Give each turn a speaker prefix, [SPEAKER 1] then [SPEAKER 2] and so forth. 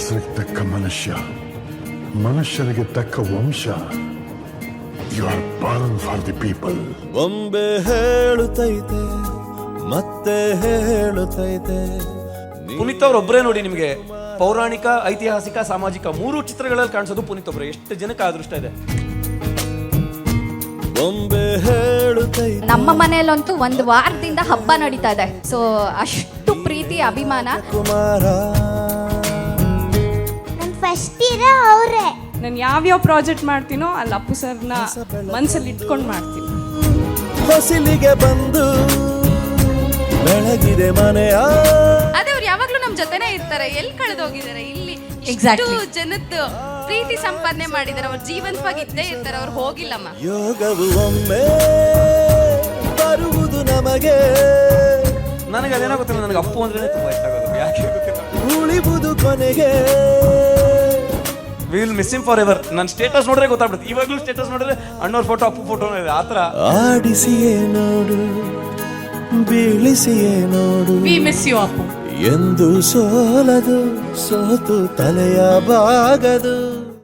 [SPEAKER 1] ಹೆಸರಿಗೆ ತಕ್ಕ ಮನುಷ್ಯ, ಮನುಷ್ಯನಿಗೆ ತಕ್ಕ ವಂಶ. You are born for the people.
[SPEAKER 2] ಬೊಂಬೆ ಹೇಳುತ್ತೈತೆ ಮತ್ತೆ ಹೇಳುತ್ತೈತೆ.
[SPEAKER 3] ಪುನೀತ್ ಅವ್ರ ಒಬ್ಬರೇ ನೋಡಿ ನಿಮಗೆ ಪೌರಾಣಿಕ, ಐತಿಹಾಸಿಕ, ಸಾಮಾಜಿಕ 3 ಚಿತ್ರಗಳಲ್ಲಿ ಕಾಣಿಸೋದು ಪುನೀತ್ ಒಬ್ಬರೇ. ಎಷ್ಟು ಜನಕ್ಕೆ ಅದೃಷ್ಟ ಇದೆ.
[SPEAKER 2] ಬೊಂಬೆ ಹೇಳುತ್ತೈತೆ.
[SPEAKER 4] ನಮ್ಮ ಮನೆಯಲ್ಲಂತೂ 1 ವಾರದಿಂದ ಹಬ್ಬ ನಡೀತಾ ಇದೆ. ಸೊ ಅಷ್ಟು ಪ್ರೀತಿ, ಅಭಿಮಾನ.
[SPEAKER 2] ಕುಮಾರ
[SPEAKER 5] ಫಸ್ಟ್ ಇರೋ ಅವರೇ.
[SPEAKER 6] ನಾನು ಯಾವ್ಯಾವ ಪ್ರಾಜೆಕ್ಟ್ ಮಾಡ್ತೀನೋ ಅಲ್ಲಿ ಅಪ್ಪು ಸರ್ನ ಮನಸ್ಸಲ್ಲಿ ಇಟ್ಕೊಂಡು ಮಾಡ್ತೀನಿ.
[SPEAKER 2] ಹೊಸಿಲಿಗೆ ಬಂದು ಬೆಳಗಿದೆ ಮನೆಯ.
[SPEAKER 7] ಅದೇ ಅವ್ರು ಯಾವಾಗ್ಲೂ ನಮ್ ಜೊತೆನೇ ಇರ್ತಾರೆ. ಎಲ್ಲಿ ಕಳೆದೋಗಿದ್ದಾರೆ ಇಲ್ಲಿ ಜನದ್ದು ಪ್ರೀತಿ ಸಂಪಾದನೆ ಮಾಡಿದ್ದಾರೆ. ಅವ್ರ ಜೀವಂತವಾಗಿ ಇದ್ದೇ ಇರ್ತಾರೆ. ಅವ್ರು ಹೋಗಿಲ್ಲಮ್ಮ.
[SPEAKER 2] ಯೋಗವು ಒಮ್ಮೆ ಬರುವುದು ನಮಗೆ.
[SPEAKER 3] ನನಗೆ ಅದೇನೋ ಗೊತ್ತಿಲ್ಲ, ನನಗೆ ಅಪ್ಪು ಅಂದ್ರೆ ತುಂಬಾ ಇಷ್ಟ ಆಗೋದು. ಯಾಕೆ ಗೊತ್ತಿಲ್ಲ.
[SPEAKER 2] ಉಳಿಬುದು ಕೊನೆಗೆ.
[SPEAKER 3] We will miss him forever. ನನ್ನ ಸ್ಟೇಟಸ್ ನೋಡ್ರೆ ಗೊತ್ತಾಗ್ಬಿಡುತ್ತೆ. ಇವಾಗಲೂ ಸ್ಟೇಟಸ್ ನೋಡಿದ್ರೆ ಅಣ್ಣವ್ರ ಫೋಟೋ, ಅಪ್ಪು ಫೋಟೋ ಇದೆ. ಆ ಥರ
[SPEAKER 2] ಆಡಿಸಿಯೇ ನೋಡು, ಬೀಳಿಸಿಯೇ ನೋಡು.
[SPEAKER 6] We miss you Appu.
[SPEAKER 2] ಎಂದು ಸೋಲದು, ಸೋತು ತಲೆಯ ಬಾಗದು.